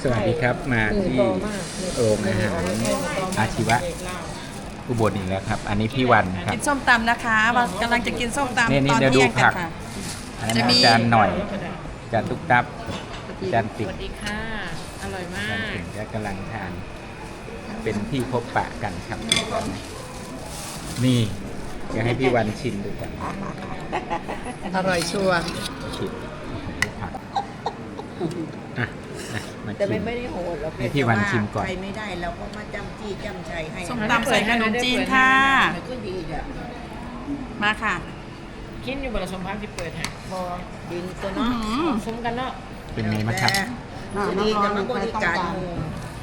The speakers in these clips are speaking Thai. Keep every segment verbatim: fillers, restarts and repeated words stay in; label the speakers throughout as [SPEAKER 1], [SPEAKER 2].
[SPEAKER 1] สวัสดีครับมาที่โรงอาหารอาชีวะอุบลอีกแล้วครับอันนี้พี่วันครับ
[SPEAKER 2] กินส้มตำนะคะว่ากำลังจะกินส้มตำ
[SPEAKER 1] นี่นี่
[SPEAKER 2] ตอน
[SPEAKER 1] เดี๋ยวดู
[SPEAKER 2] เที่ยงกั
[SPEAKER 1] ผั
[SPEAKER 2] น
[SPEAKER 1] ก
[SPEAKER 2] ค่ะ
[SPEAKER 1] อันนั้น
[SPEAKER 2] จะมี
[SPEAKER 1] จานหน่อยจานตุ๊กตับจานติ่
[SPEAKER 3] ส
[SPEAKER 1] ง
[SPEAKER 3] วัสดีค่ะ อร่อยมา
[SPEAKER 1] จาน
[SPEAKER 3] ก
[SPEAKER 1] ติ่งก็กำลังทาน เป็นที่พบปะกันครับนี่อยากให้พี่วันชิมดูกัน
[SPEAKER 2] อร่อยชัวร์
[SPEAKER 1] ชิมผักอ่ะอ่ะมา
[SPEAKER 4] แต่
[SPEAKER 1] ชิ
[SPEAKER 4] ไม่
[SPEAKER 1] ม
[SPEAKER 4] ไม่ได้โหดหรอก
[SPEAKER 1] ให้พี่วันชิมก่อน
[SPEAKER 4] ใครไม่ได้เราก็มาจำจี้จำใจให้
[SPEAKER 2] ส้มตำใส่ขนมจีนค่ะ
[SPEAKER 4] มันก็ดีอ่ะ
[SPEAKER 2] มาค่ะ
[SPEAKER 3] คิดอยู่บนสมพักที่เปิดฮะบอ
[SPEAKER 4] ดินตัว
[SPEAKER 2] อื้อ
[SPEAKER 4] เนาะ
[SPEAKER 2] หือ
[SPEAKER 3] ซุ้มกันเนาะ
[SPEAKER 1] เป็นไงบ้างครับ
[SPEAKER 4] แต่ดีแต่มันบริการหมู่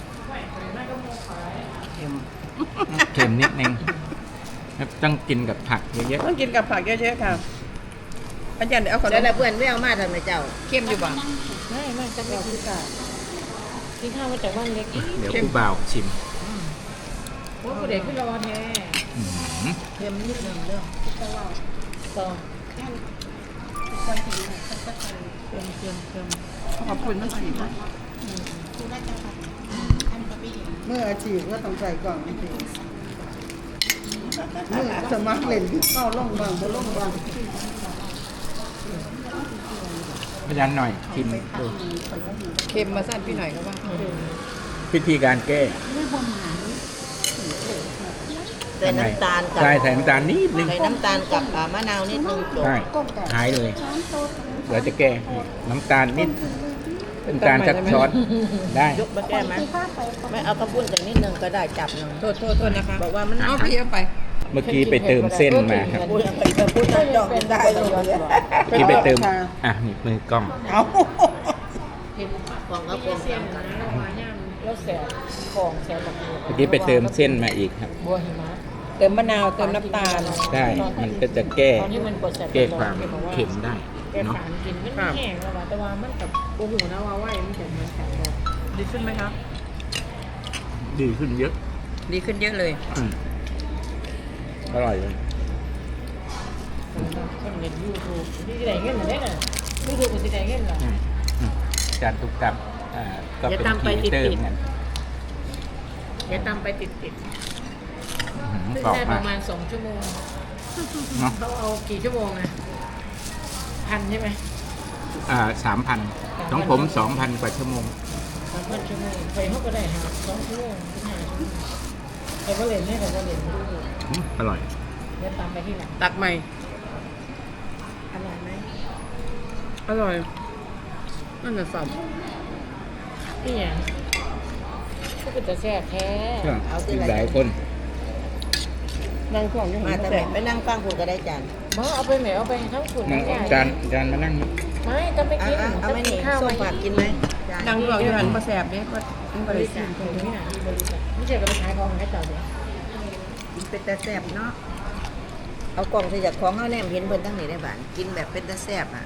[SPEAKER 1] เค็มนิดนึงต้องกินกับผักเยอะ
[SPEAKER 2] ต้องกินกับผักเยอะๆค่ะอาจารย์เดี๋ยวเอาขน
[SPEAKER 4] แล้ว
[SPEAKER 2] ม
[SPEAKER 4] แต่เพื่อนไม่เอามาทำไมเจ้า
[SPEAKER 2] เข้มอยู่บ่
[SPEAKER 3] ไม่ไม่จะไม่กินข้าวกินข้าวมาจากบ้านเล็กอีก
[SPEAKER 1] ๆเดี๋ยวผู้บ่าวชิม
[SPEAKER 3] โอ้ยเด็กขึ้นรอแท้
[SPEAKER 1] อื้อหือ
[SPEAKER 4] เค็มนิดนึงเรื่อง
[SPEAKER 3] ต่อ
[SPEAKER 2] ขอบคุณมากสิ
[SPEAKER 5] เมื่ออาชีพก็ต้องใส่กล่องจริงเมื่อสมัครเล่นเข้าล่องบางบ่ล่องบาง
[SPEAKER 1] อาจารย์หน่อยชิมดู
[SPEAKER 2] เค็มมาสั้นพี่หน่อยก็ว่า
[SPEAKER 1] วิธีการแก้
[SPEAKER 4] ใส่น้ำตาลกับ
[SPEAKER 1] ใช่ใส่น้ำตาลนิดนึง
[SPEAKER 4] ใส่น้ำตาลกับอ่ามะนาวนิดนึงจบ
[SPEAKER 1] ใช่หายเลยเดี๋ยวจะแก้น้ำตาลนิดน้ำตาลชักช้อนได้
[SPEAKER 4] ยกมาแก้ไหมไม่เอากระปุ้นจากนิดนึงก็ได้จับหนึ่ง
[SPEAKER 2] โทษโทษโทษนะคะ
[SPEAKER 4] บอกว่ามัน
[SPEAKER 2] เอาพี่เอาไป
[SPEAKER 1] เมื่อกี้ไปเติมเส้นมาครับ
[SPEAKER 4] ปุ้นไปกระปุ้นนั่นดอกยังได้เลย
[SPEAKER 1] เมื่อกี้ไปเติมอ่ะนี่มือกล้อง
[SPEAKER 5] เอา
[SPEAKER 3] เห็น
[SPEAKER 4] ของกระ
[SPEAKER 3] เ
[SPEAKER 4] ปุ้น
[SPEAKER 3] เซียนนะเรามาย่างแล้วแสบของแสบแบบนี้
[SPEAKER 1] เมื่อกี้ไปเติมเส้นมาอีกครับ
[SPEAKER 3] บัวหิมะ
[SPEAKER 2] เติมมะนาวเติมน้ำตาล
[SPEAKER 1] ได้มันก็จะแก้
[SPEAKER 3] ตอนที่มันปวดแสบ
[SPEAKER 1] แก้ความเค็มได้
[SPEAKER 3] แก้
[SPEAKER 1] เนาะ
[SPEAKER 3] ฝานกินมันแห้งแล้วว่ะแต่ว่ามันกับโอ้โหนะว่าไหวมันจะมันแข็งเลย
[SPEAKER 2] ดีขึ้นไหมคะ
[SPEAKER 1] ดีขึ้นเยอะ
[SPEAKER 2] ดีขึ้นเยอะเลย
[SPEAKER 1] อืมอร่อยเลย
[SPEAKER 3] คนเล่นยูทูบที่ไหนเงี้ยเหมือนได้น่ะยูทูบกับที่ไหนเงี้ยเหรอ
[SPEAKER 1] อืมอืมจานตุกตับอ่าก็เป็น
[SPEAKER 3] อย่าตาม
[SPEAKER 1] ค
[SPEAKER 3] ไป
[SPEAKER 1] รีเอเตอร์
[SPEAKER 3] ติดๆ
[SPEAKER 1] เหมือนกัน
[SPEAKER 3] อย่าตามไปติดติด
[SPEAKER 1] อื้อหือ
[SPEAKER 3] ซึ่ง
[SPEAKER 1] กรอบ
[SPEAKER 3] ได้ป
[SPEAKER 1] มาก
[SPEAKER 3] ระมาณสองชั่วโมง
[SPEAKER 1] เนาะ
[SPEAKER 3] เขาเอากี่ชั่วโมงนะพันใช่ไหม
[SPEAKER 1] อ่าสามพันของผมสองพันกว่าชั่วโมง
[SPEAKER 3] สามพันชั่วโมงไปเขาก็ได้หาสองชั่วโมงถึงห้าชั่วโมงใครก็เล่นให้ใครก็เล่นไม่รู้
[SPEAKER 1] อืมอร่อย
[SPEAKER 3] เดี๋ยวตามไปที่หลัง
[SPEAKER 2] ตักใหม่
[SPEAKER 3] อร่อยไหม
[SPEAKER 2] อร่อยนั่นน่ะสับ
[SPEAKER 3] พี่อย่างก็เป็นแต่แซ่บแท้
[SPEAKER 1] อีกหลายคน
[SPEAKER 2] นั่งของยัง
[SPEAKER 4] มา
[SPEAKER 2] ไม่
[SPEAKER 4] แต่
[SPEAKER 2] แส
[SPEAKER 4] แบบ บไปนั่งฟังคุณก็ได้จาน
[SPEAKER 3] มาเอาไปไหนเอาไปทั้งขุน
[SPEAKER 1] นั่
[SPEAKER 3] ทั้
[SPEAKER 1] ง
[SPEAKER 3] งใหญ่
[SPEAKER 1] จานจานมานั่งนี่
[SPEAKER 3] ไม่ต้องไป
[SPEAKER 4] เอา
[SPEAKER 3] กิน
[SPEAKER 4] เอาเอาไม่
[SPEAKER 3] กิ
[SPEAKER 4] นี่
[SPEAKER 3] ข้าว
[SPEAKER 4] ส้ม
[SPEAKER 3] มา
[SPEAKER 4] ผักกินไหมจาน
[SPEAKER 2] นั่งรออยู่หันมาแสบเด้ว่ามัน
[SPEAKER 3] บบ
[SPEAKER 2] ริ
[SPEAKER 3] ริ
[SPEAKER 2] สุ
[SPEAKER 3] ษั
[SPEAKER 2] ท
[SPEAKER 3] ท
[SPEAKER 2] ธิ์
[SPEAKER 3] ตรงนี้นะที่บริษัทไม่ใช่กับไปขายของให้เจ้าเดียว
[SPEAKER 4] กินเป็นตาแซ่บเนาะเอากล่องใส่จากของเขาแนมเห็นเพิ่นตั้งไหนได้บ้านกินแบบเป็นตาแซ่บอ่ะ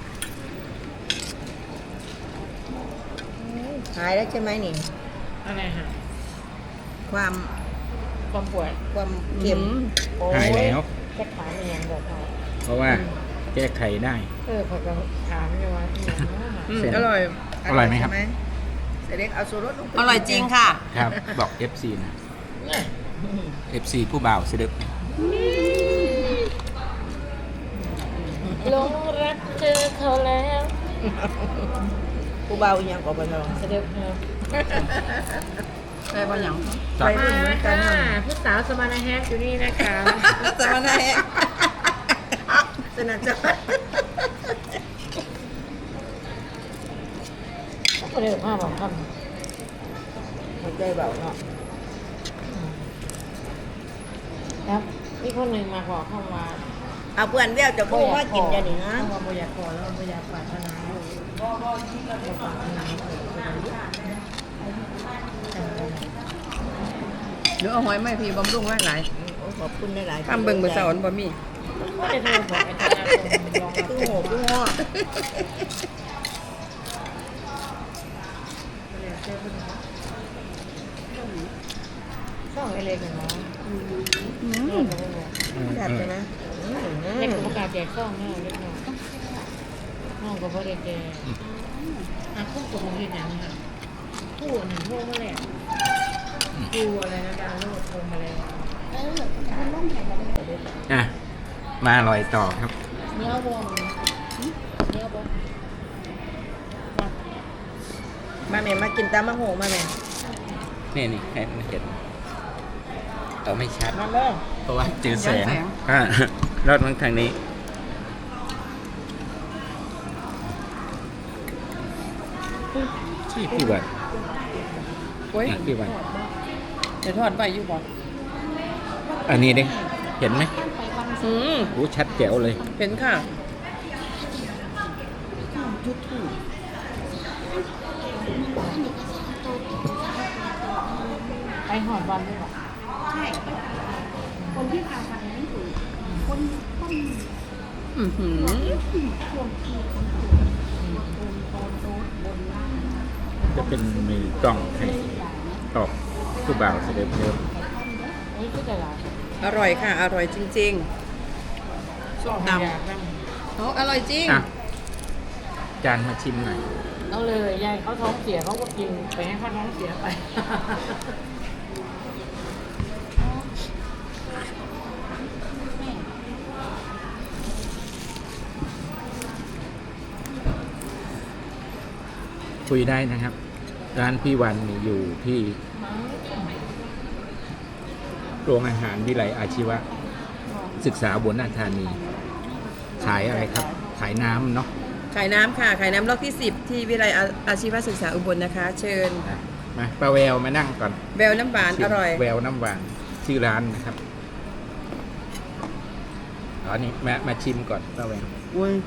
[SPEAKER 4] หายแล้วใช่ไหมนี่
[SPEAKER 3] อะไรฮะ
[SPEAKER 4] ความ
[SPEAKER 3] ความป่วย
[SPEAKER 4] ความเค็ม
[SPEAKER 3] โอ้
[SPEAKER 1] หายแล้ว
[SPEAKER 3] แค่ขายมันยังบอกเขา
[SPEAKER 1] เพราะว่าแก้ไขได้
[SPEAKER 3] เออเขาก็ถามเลยว่าอีหยังเนาะ
[SPEAKER 2] อืม
[SPEAKER 1] เสร็จ
[SPEAKER 2] อร่อย
[SPEAKER 1] อร่อยไหมครับ
[SPEAKER 4] ใช่เสด็จเอาสูรสลงไป
[SPEAKER 2] อร่อยจริงค่ะ
[SPEAKER 1] ครับ บอก เอฟ ซี นะ
[SPEAKER 3] เนี่ย
[SPEAKER 1] เอฟ ซี ผู้บ่าวเสด็จ
[SPEAKER 3] หลงรักเจอเขาแล้ว
[SPEAKER 4] ผู้เบาอีหยังก็บ่ลอง
[SPEAKER 3] เสด็จเออ
[SPEAKER 2] ได้บางอย่าง
[SPEAKER 4] ไปรุ่นเหมือนกัน
[SPEAKER 3] ค่ะ
[SPEAKER 4] เนาะ
[SPEAKER 3] ผู้สาวสมานาแฮกอยู่นี่นะคะ
[SPEAKER 2] สมณะแฮก
[SPEAKER 4] สนับจะ
[SPEAKER 3] ก็เลยภาพของค
[SPEAKER 4] หัวใจเบาเนาะ
[SPEAKER 3] ำครับมีคนหนึ่งมาขอเข้ามา
[SPEAKER 4] เอาเพื่อนแววจะพูดว่ากินอย่างนี้นะ
[SPEAKER 3] เพราะว่าบ่อยากขอแล้วบ่อยากปรารถนาบ่บ่ที่เราปรารถนา
[SPEAKER 2] เดี๋ยวเอาหอยไม่พี่บำรุงไว้หลาย
[SPEAKER 4] โอ้ขอบคุณหลายๆ
[SPEAKER 2] ข้ามเบิ่งเบอร์สอนบ่มี
[SPEAKER 3] ก็ได้โทรบอกอาจารย์ลองรับ
[SPEAKER 4] ตู้โหตู้ห้อ
[SPEAKER 3] ช่องเล็กๆเนาะ
[SPEAKER 4] แซ่บใช่ไหม
[SPEAKER 3] เล็กประกาศแจกช่องเนี่ยเล็กน้อยน้องก็บ่ได้แจกอ่ะคุ้มกับผมเห็นอย่างนี้ค่ะ
[SPEAKER 4] ค
[SPEAKER 3] คู่หนึ่งโทรมาแล้วดูอะไรนะดาวโลดโทรมาแล้ว
[SPEAKER 1] อ่ะ มาอร่อยต่อครับ
[SPEAKER 3] เนื้อวงเนื้อวง
[SPEAKER 4] มาแม่มากินตามมะโหมาแม่
[SPEAKER 1] นี่นี่ให้มันเห็นเอาไม่ชัด
[SPEAKER 3] มาเริ่ม
[SPEAKER 1] เพราะว่าเจอแสงอ่ารอดมันทางนี้ ใช่พี่วัน
[SPEAKER 2] โอ้ย
[SPEAKER 1] อ่ะพี่วัน
[SPEAKER 2] เดี๋ยวทอดไปอยู่บ่
[SPEAKER 1] อันนี้ดิเห็นไหม
[SPEAKER 2] อืม
[SPEAKER 1] โอ้ชัดแจ๋วเลย
[SPEAKER 2] เห็นค่ะ
[SPEAKER 3] ไปหอดวันด้วยหรอ
[SPEAKER 2] อือหือ
[SPEAKER 1] จะเป็นมือกล้องให้ตอกผู้บ่าวเสด็จเร็ว
[SPEAKER 3] เฮ้ยก็จะลา
[SPEAKER 2] อร่อยค่ะ อร่อยจริง
[SPEAKER 3] ส้มตำ
[SPEAKER 2] ๆเอาอร่อยจริง
[SPEAKER 1] อ่ะ จานมาชิมหน่อย
[SPEAKER 3] เอาเลยยายเขาท้องเสียเขาก็กินไปให้เขาท้องเสียไป
[SPEAKER 1] คุยได้นะครับ ร้านพี่วันนี่อยู่ที่โรงอาหารวิไลอาชีวะ ศึกษาอุบลราชธานี ขายอะไรครับ ขายน้ำเนาะ
[SPEAKER 2] ขายน้ำค่ะ ขายน้ำล็อกที่สิบที่วิทยาลัยอาอาชีวศึกษาอุบลนะคะ เชิญ
[SPEAKER 1] อ่ะมาป้าแววมานั่งก่อน
[SPEAKER 2] แววน้ำหวานอร่อย
[SPEAKER 1] แววน้ำหวานชื่อร้านนะครับอ๋อนี่มามาชิมก่อนป้าแวว
[SPEAKER 5] อุ้ย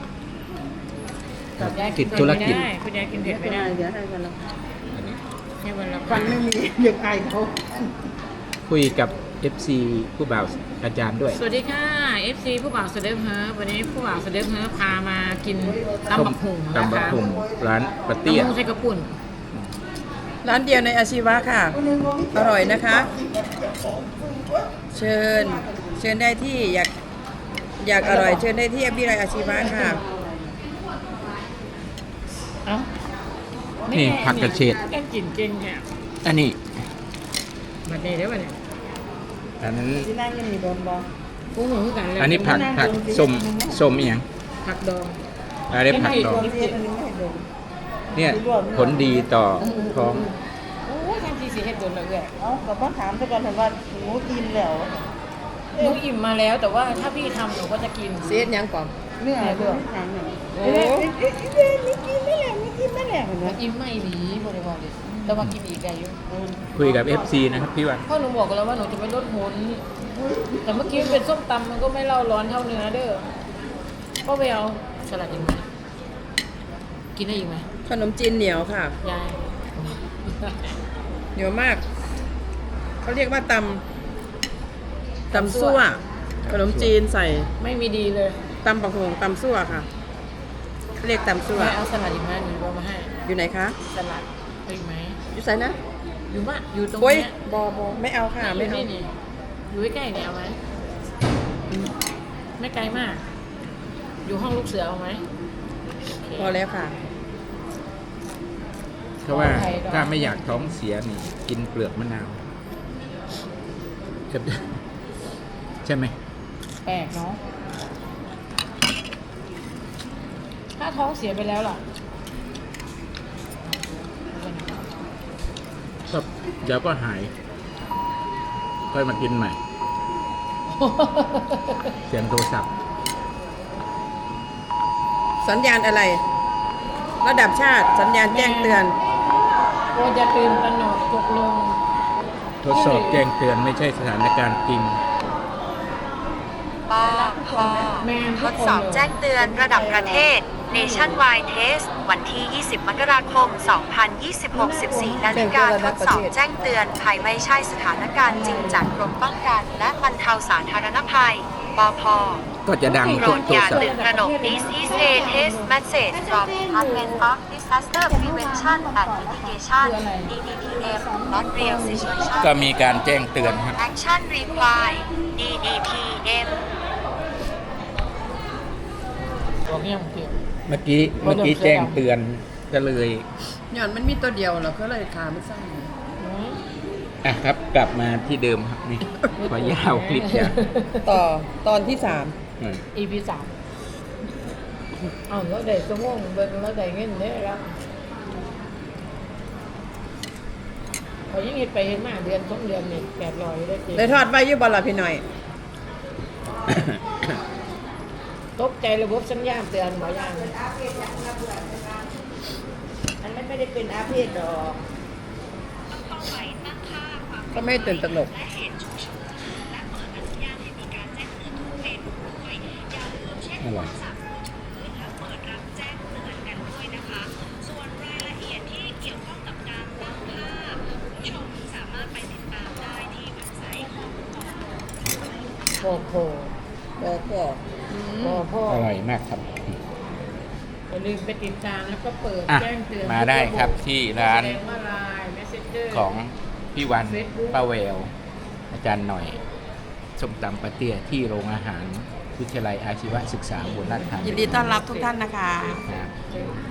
[SPEAKER 3] แต่ยาย
[SPEAKER 1] ติดธุรกิจ
[SPEAKER 3] ไม่ได้คุณยายกินเผ็ดไม่ได้
[SPEAKER 5] เดี๋ยวให้กันละ
[SPEAKER 1] อันนี้
[SPEAKER 3] ให้วันละ
[SPEAKER 5] ฟันไม่มีอยากอายเขา
[SPEAKER 1] คุยกับ เอฟ ซี ผู้บ่าวอาจารย์ด้วย
[SPEAKER 3] สวัสดีค่ะ เอฟ ซี ผู้บ่าวเสด็จเฮิร์ฟวันนี้ผู้บ่าวเสด็จเฮิร์ฟพามากินตำบักหุ่งนะ
[SPEAKER 1] ตำบัก
[SPEAKER 3] คะ
[SPEAKER 1] หุ่งร้านปะ
[SPEAKER 3] ตำ
[SPEAKER 1] เตี้ย
[SPEAKER 3] บักหุ่งใส่กระปุ่น
[SPEAKER 2] ร้านเดียวในอาชีวะค่ะ อร่อยนะคะ เชิญ เชิญได้ที่อยากอยากอร่อยเชิญได้ที่วิทยาลัยอาชีวะค่ะ
[SPEAKER 3] เอ้า
[SPEAKER 1] นี่ผักกระเฉด
[SPEAKER 3] แกงกินเก่งเนี่ย
[SPEAKER 1] อันนี้
[SPEAKER 3] มาเด้ได้ป่ะเนี่ย
[SPEAKER 1] อันนั้น
[SPEAKER 5] ที่นั่งยังมีโดนบอ
[SPEAKER 3] กุ้งหมูกันเลย
[SPEAKER 1] อันนี้ผักผักส้มส้มอหย่าง
[SPEAKER 3] ผักดอง
[SPEAKER 1] อันนี้ผักดอง
[SPEAKER 5] เทียนอันนี้ไม่ให้โดน
[SPEAKER 1] เนี่ยผลดีต่อท้อง
[SPEAKER 3] โอ้ยทางทีสีเฮ็ดโดนเลยเว้ย
[SPEAKER 5] เอ้ากับพ่อถามซะก่อนเห็นว่าหนูกินแล้ว
[SPEAKER 3] หนูอิ่มมาแล้วแต่ว่าถ้าพี่ทำหนูก็จะกิน
[SPEAKER 2] เสียดยังก่อน
[SPEAKER 5] เนื้อเรื่องทางหนึ่ง
[SPEAKER 3] โอ้
[SPEAKER 5] เอ๊ะเอ๊ะเอ๊ะนี่กินไม่แหละนี่กินไม่แหละเห็นไหม
[SPEAKER 3] อิ่มไม่หนีบริวารเลยแต่ว่ากินอีกได้อยู่
[SPEAKER 1] คุยกับ เอฟ ซี นะครับพี่วัน
[SPEAKER 3] พ่อหนูบอกกันแล้วว่าหนูจะไม่ลดหุ่นแต่เมื่อกี้มันเป็นส้มตำมันก็ไม่เล่าร้อนเท่าเนื้อเด้อพ่อไปเอาสลัดอีกไหมกินได้อีกไหม
[SPEAKER 2] ขนมจีนเหนียวค่ะ
[SPEAKER 3] ยาย
[SPEAKER 2] เหนียวมาก เขาเรียกว่าตำตำซั่ว ขนมจีนใส่
[SPEAKER 3] ไม่มีดีเลย
[SPEAKER 2] ตำปักหงตำซั่วค่ะเขาเรียกตำซั่ว
[SPEAKER 3] แม่เอาสลัดอีกไหมหนูเอามาให้
[SPEAKER 2] อยู่ไหนคะ
[SPEAKER 3] สลัดเอาอีกไหม
[SPEAKER 2] อยู่ใส่นะ
[SPEAKER 3] อยู่บ้านอยู่ตรง
[SPEAKER 2] โอ้ย
[SPEAKER 3] เนี้ย
[SPEAKER 2] บอบอไม่เอาค่ะ
[SPEAKER 3] อ
[SPEAKER 2] ไม่
[SPEAKER 3] ยู่
[SPEAKER 2] เอา
[SPEAKER 3] นี่นี่อยู่ใกล้ๆเนี่ยเอาไหมไม่ไกลมาก อยู่ห้องลูกเสือเอาไหมโอเค
[SPEAKER 2] พอแล้วค่ะ
[SPEAKER 1] เพราะว่าถ้าไม่อยากท้องเสียนี่กินเปลือกมะนาวครับใช่ไหม
[SPEAKER 3] แปลกเนาะถ้าท้องเสียไปแล้วล่ะ
[SPEAKER 1] ครับเดี๋ยวก็หาย ค่อยมากินใหม่ เสียงโทรศัพท์
[SPEAKER 2] สัญญาณอะไร ระดับชาติสัญญาณแจ้งเตือน
[SPEAKER 3] โอ้จะตื่นตระหนกตกลง
[SPEAKER 1] ทดสอบแจ้งเตือนไม่ใช่สถานการณ์จริง
[SPEAKER 6] ปอพอ
[SPEAKER 3] แม่น
[SPEAKER 6] ท
[SPEAKER 3] ทุก
[SPEAKER 6] ด
[SPEAKER 3] คน
[SPEAKER 6] สอบ
[SPEAKER 3] เลย
[SPEAKER 6] แจ้งเตือนระดับประเทศ Nationwide Test วันที่ ยี่สิบ มกราคม สองพันยี่สิบหก สิบสี่ นาฬิกาทดสอบแจ้งเตือนภัยไม่ใช่สถานการณ์จริงจากกรมป้องกัน และบรรเทาสาธารณภัย ปพ
[SPEAKER 1] ก็จะดัง
[SPEAKER 6] โปร
[SPEAKER 1] ทุก
[SPEAKER 6] ด
[SPEAKER 1] โท
[SPEAKER 6] อ
[SPEAKER 1] ร
[SPEAKER 6] ย่า
[SPEAKER 1] ศัพท์
[SPEAKER 6] ตื่นตระหนก This is a test message from Department of Disaster Prevention and Mitigation ดี ดี พี เอ็ม not real situation
[SPEAKER 1] ก็มีการแจ้งเตือนครับ
[SPEAKER 6] Action required ดี ดี พี เอ็ม
[SPEAKER 3] บอกเนี่ยมันเปลี่ยน
[SPEAKER 1] เมื่อกี้เมื่อกี้แจ้งเตือนก็เลย
[SPEAKER 2] หย่อนมันมีตัวเดียวเหรอก็เลยขามันสั้น
[SPEAKER 3] อืม
[SPEAKER 1] อ่ะครับ กลับมาที่เดิมครับนี่ขอยาวคลิปยาว
[SPEAKER 2] ต่อตอนที่สาม
[SPEAKER 1] อืม
[SPEAKER 3] อีพีสามเอาแล้วได้สมองเบิ่งแล้วได้เงินเด้อแล้วเขายังเห็นไปเห็นมาเดือนสองเดือนนี่แปดร้อยได้จริง
[SPEAKER 2] ได้ทอดไว้อยุบอลล่ะพี่หน่อย
[SPEAKER 3] ตกใจระบบสัญญาณเตือนหมอย่าง
[SPEAKER 4] อันนั้นไม่ได้เป็นอาเพศดอก
[SPEAKER 2] ก็ไม่ตื่นตระหนก
[SPEAKER 1] อร่อย
[SPEAKER 3] พ่อพ่อ
[SPEAKER 2] บอกบอก
[SPEAKER 3] พ่อพ่อ
[SPEAKER 1] อร่อยมากครับ
[SPEAKER 3] อย่าลืมไปติดตามแล้วก็เปิด
[SPEAKER 1] อ่ะ
[SPEAKER 3] แจ้งเตือน
[SPEAKER 1] มาได้ครับที่ร้าน
[SPEAKER 3] แสดงว่าไลน์ Messenger
[SPEAKER 1] ของพี่วัน
[SPEAKER 3] Facebook
[SPEAKER 1] ป้าแววอาจารย์หน่อยส้มตำปาเตี้ยที่โรงอาหารวิทยาลัยอาชีวศึกษาอุบลราชธานี
[SPEAKER 2] ยินดีต้อนรับทุกท่านนะคะ
[SPEAKER 1] นะครับ